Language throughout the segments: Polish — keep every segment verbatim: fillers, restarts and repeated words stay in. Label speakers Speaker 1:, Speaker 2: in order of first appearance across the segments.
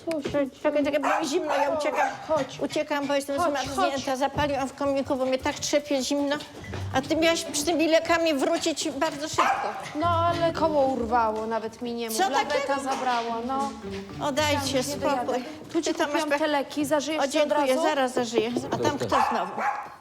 Speaker 1: Czekaj, czekaj, bo mi zimno, ja uciekam.
Speaker 2: Chodź.
Speaker 1: Uciekam, bo jestem
Speaker 2: Chodź,
Speaker 1: zmarznięta. Zapaliłam w komiku, bo mnie tak trzepie zimno. A ty miałaś z tymi lekami wrócić bardzo szybko.
Speaker 2: No, ale koło urwało, nawet mi nie mów.
Speaker 1: Co
Speaker 2: Laweta
Speaker 1: takiego?
Speaker 2: zabrała, no.
Speaker 1: O, dajcie
Speaker 2: Nie
Speaker 1: spokój.
Speaker 2: dojadę. Tu ci
Speaker 1: Ty tam
Speaker 2: kupiłam
Speaker 1: masz pe-
Speaker 2: te leki, zażyjesz
Speaker 1: O,
Speaker 2: się od
Speaker 1: dziękuję,
Speaker 2: razu?
Speaker 1: zaraz zażyję. A tam kto znowu?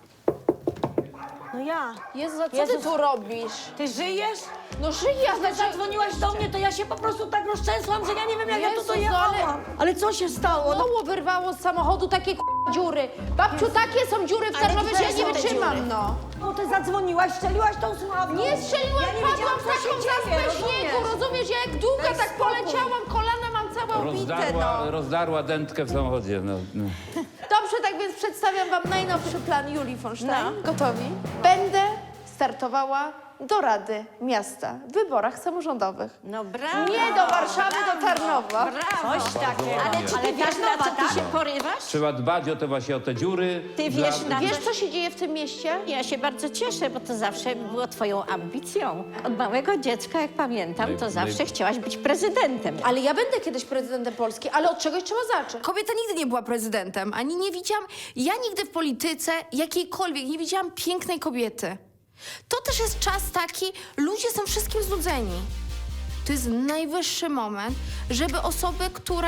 Speaker 3: No ja.
Speaker 2: Jezu, a co
Speaker 3: Jezus.
Speaker 2: ty tu robisz?
Speaker 3: Ty żyjesz?
Speaker 2: No żyję,
Speaker 3: Jak
Speaker 2: znaczy...
Speaker 3: zadzwoniłaś do mnie, to ja się po prostu tak rozczęsłam, że ja nie wiem, jak ja
Speaker 2: Jezus,
Speaker 3: tu
Speaker 2: no
Speaker 3: dojechałam.
Speaker 2: ale-
Speaker 3: Ale co się stało? No,
Speaker 2: Koło wyrwało z samochodu takie k***a dziury. Babciu, takie są dziury w
Speaker 1: Ale
Speaker 2: Tarnowie, że ja
Speaker 1: gdzie
Speaker 2: nie
Speaker 1: są te
Speaker 2: wytrzymam,
Speaker 1: dziury?
Speaker 2: no.
Speaker 3: no ty zadzwoniłaś, strzeliłaś tą słuchawką.
Speaker 2: Nie strzeliłam,
Speaker 3: ja nie
Speaker 2: padłam
Speaker 3: wiedziałam,
Speaker 2: w
Speaker 3: co
Speaker 2: taką
Speaker 3: się dzieje,
Speaker 2: zaspę śniegu,
Speaker 3: rozumiesz?
Speaker 2: rozumiesz? Ja jak długa
Speaker 3: Daj
Speaker 2: tak
Speaker 3: spokój.
Speaker 2: poleciałam, kolana mam całe obite,
Speaker 4: Rozdarła,
Speaker 2: no.
Speaker 4: rozdarła dętkę w samochodzie. No, no.
Speaker 2: Dobrze, tak więc przedstawiam wam najnowszy plan Julii von Stein.
Speaker 1: No.
Speaker 2: Gotowi? Będę startowała do Rady Miasta w wyborach samorządowych.
Speaker 1: No brawo.
Speaker 2: Nie do Warszawy, do Tarnowa.
Speaker 1: Brawo.
Speaker 3: Coś takiego.
Speaker 1: Ale czy ty wiesz, na co ty się porywasz?
Speaker 4: Trzeba dbać o te właśnie o te dziury.
Speaker 1: Ty
Speaker 4: dla-
Speaker 1: wiesz, na
Speaker 2: Wiesz, co się dzieje w tym mieście?
Speaker 1: Ja się bardzo cieszę, bo to zawsze było twoją ambicją. Od małego dziecka, jak pamiętam, to
Speaker 4: Naj-
Speaker 1: zawsze
Speaker 4: naj-
Speaker 1: chciałaś być prezydentem.
Speaker 2: Ale ja będę kiedyś prezydentem Polski, ale od czegoś trzeba zacząć.
Speaker 5: Kobieta nigdy nie była prezydentem, ani nie widziałam, ja nigdy w polityce jakiejkolwiek nie widziałam pięknej kobiety. To też jest czas taki, ludzie są wszystkim znudzeni. To jest najwyższy moment, żeby osoby, które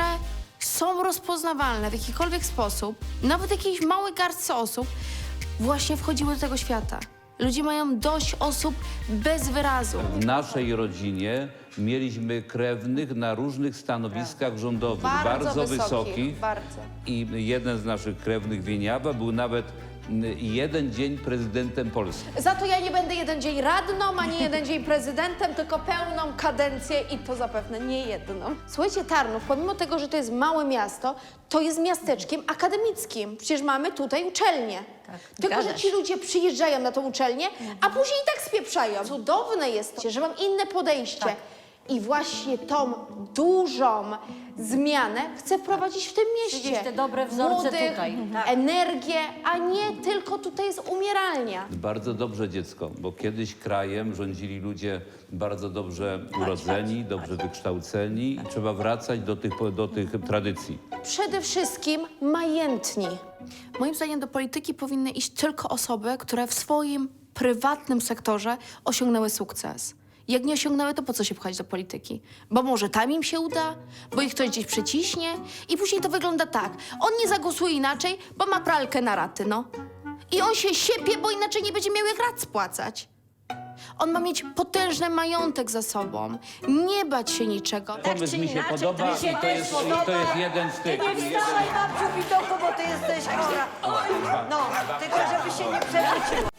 Speaker 5: są rozpoznawalne w jakikolwiek sposób, nawet jakiejś małej garstce osób, właśnie wchodziły do tego świata. Ludzie mają dość osób bez wyrazu.
Speaker 4: W naszej rodzinie mieliśmy krewnych na różnych stanowiskach rządowych,
Speaker 2: Bardzo
Speaker 4: bardzo,
Speaker 2: wysokich,
Speaker 4: wysokich.
Speaker 2: bardzo.
Speaker 4: I jeden z naszych krewnych, Wieniawa, był nawet mm, jeden dzień prezydentem Polski.
Speaker 2: Za to ja nie będę jeden dzień radną, ani jeden dzień prezydentem, tylko pełną kadencję i to zapewne nie jedną. Słuchajcie, Tarnów, pomimo tego, że to jest małe miasto, to jest miasteczkiem akademickim. Przecież mamy tutaj uczelnię. Tylko, że
Speaker 1: zgadza
Speaker 2: ci
Speaker 1: się.
Speaker 2: ludzie przyjeżdżają na tą uczelnię, a później i tak spieprzają. Cudowne jest to, że mam inne podejście. I właśnie tą dużą zmianę chcę wprowadzić w tym mieście.
Speaker 3: Widzisz te dobre wzorce
Speaker 2: Młodych,
Speaker 3: tutaj. Tak.
Speaker 2: energię, a nie tylko tutaj jest umieralnia.
Speaker 4: Bardzo dobrze dziecko, bo kiedyś krajem rządzili ludzie bardzo dobrze urodzeni, dobrze wykształceni i trzeba wracać do tych, do tych tradycji.
Speaker 2: Przede wszystkim majętni.
Speaker 5: Moim zdaniem do polityki powinny iść tylko osoby, które w swoim prywatnym sektorze osiągnęły sukces. Jak nie osiągnęły, to po co się pchać do polityki? Bo może tam im się uda, bo ich ktoś gdzieś przyciśnie i później to wygląda tak. On nie zagłosuje inaczej, bo ma pralkę na raty, no. I on się siepie, bo inaczej nie będzie miał jak rat spłacać. On ma mieć potężny majątek za sobą, nie bać się niczego.
Speaker 4: Pomysł
Speaker 1: czy
Speaker 4: mi się
Speaker 1: inaczej,
Speaker 4: podoba
Speaker 1: to mi się
Speaker 4: i to
Speaker 3: też
Speaker 4: jest, i
Speaker 3: podoba.
Speaker 4: to jest jeden z tych.
Speaker 3: Nie wstawaj, babciu Widoku, bo ty jesteś chora. No, tylko żeby się nie przewróciło.